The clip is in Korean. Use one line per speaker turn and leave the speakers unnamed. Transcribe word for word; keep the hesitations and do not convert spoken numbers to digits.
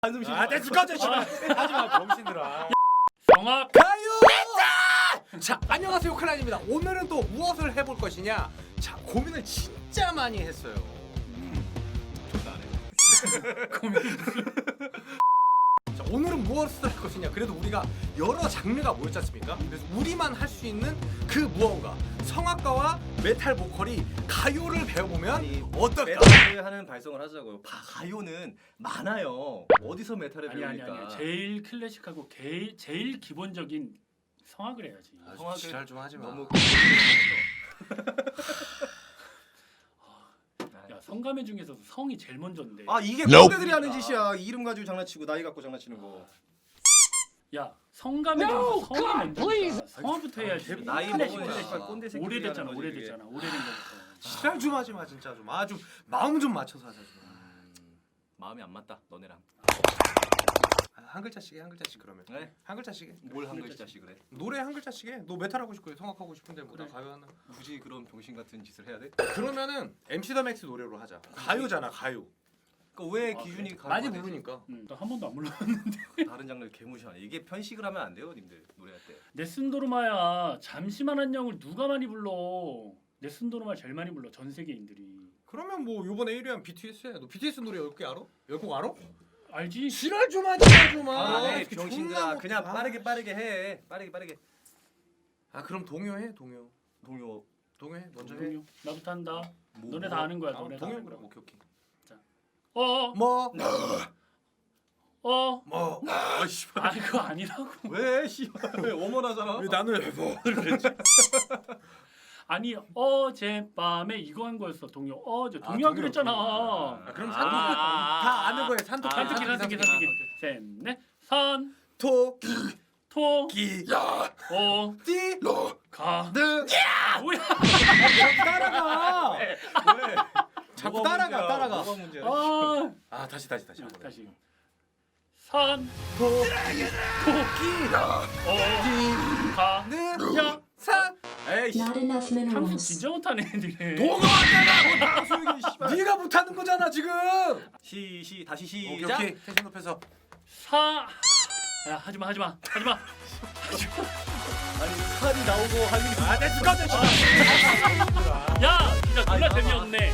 한숨 쉬지
아, 내 죽어져 씨발. 하지마 병신들아.
성악
가요. 자, 안녕하세요 클란입니다. 오늘은 또 무엇을 해볼 것이냐? 자, 고민을 진짜 많이 했어요. 존나 안 해.
고민.
자, 오늘은 무엇을 할 것이냐? 그래도 우리가 여러 장르가 모였지 않습니까? 그래서 우리만 할 수 있는 그 무언가, 성악가와 메탈 보컬이 가요를 배워보면
아니,
어떨까?
메탈을 하는 발성을 하자고요. 바, 가요는 많아요. 어디서 메탈을
아니 아니
배우니까?
아니. 제일 클래식하고 제일 제일 기본적인 성악을 해야지.
아,
성악을
지랄 좀 하지 마.
너무
야 성가매 중에서도 성이 제일 먼저인데.
아 이게
Nope.
꼰대들이 하는 짓이야. 이름 가지고 장난치고 나이 갖고 장난치는 거.
야 성가매 중에서 성이 먼저니까 성악부터 해야지.
나이
클래식
먹으면
클래식.
씨발 꼰대 새끼
오래됐잖아 오래됐잖아 오래된 거부터.
지랄 좀 하지 마 진짜 좀. 아 좀 마음 좀 맞춰서 하자 좀.
마음이 안 맞다. 너네랑.
아, 한 글자씩 해, 한 글자씩 그러면.
네?
한 글자씩 해.
뭘 한 글자씩 그래?
노래 한 글자씩 해. 너 메탈 하고 싶고 성악하고 싶은데 뭐 나
그래.
가요 하나.
굳이 그런 병신 같은 짓을 해야 돼?
그러면은 엠씨 더 맥스 노래로 하자. 가요잖아 가요.
그러니까 왜
아,
기준이
그래?
가요가
많이
되지?
부르니까.
응, 나 한 번도 안 불러.
다른 장르를 개무시하네. 이게 편식을 하면 안 돼요, 님들 노래할 때.
네슨도르마야 잠시만 안녕을 누가 많이 불러? 네슨도르마 제일 많이 불러 전 세계인들이.
그러면 뭐 요번에 일 위한 비티에스 해. 너 비티에스 노래 열 개 알아? 열 곡 알아?
알지?
지랄 좀 하지 마 좀.
아,
아,
네,
이렇게
병신들아.
존나
그냥
못-
빠르게 빠르게 해. 빠르게 빠르게.
아 그럼 동요해 동요.
동요.
동요해 먼저 해.
동요. 나부터 한다.
뭐,
너네
뭐.
다 아는 거야.
아,
너네 다
동요
아는
그래.
거야.
오케이 오케이.
어,
뭐?
어.
뭐? 아 씨발.
아 그거 아니라고.
왜 씨발 왜 어머나잖아.
왜 나는 뭐 그랬지?
아니 어젯밤에 이거 한 거였어 동요. 어제
아,
동요 안
동요,
그랬잖아.
동요. 아, 그럼
아,
산토끼
아,
다 아는 거예요. 산토끼.
아,
산토끼 산토끼
산토끼,
산토끼.
산토끼.
셋넷 산,
토끼
토,
야
어,
띠
가.
느
뭐야?
따라가.
왜?
자꾸
뭐가
따라가,
문제야?
따라가.
뭐가 문제야?
아,
아 다시 다시 다시.
자,
한번 해.
다시. 산,
토끼
어, 가.
느
야,
산. 에이
Not enough
한국
minerals.
진짜 못하네 애들이.
도가 왔잖아. 소용이 씨발. 네가 못하는 거잖아 지금.
시시 다시
오케이
시작.
오케이. 텐션 높여서.
사. 야 하지마 하지마 하지마.
아니 칼이 나오고 할 일이
아내 죽어져.
야 진짜 졸라
아니, 아,
재미없네.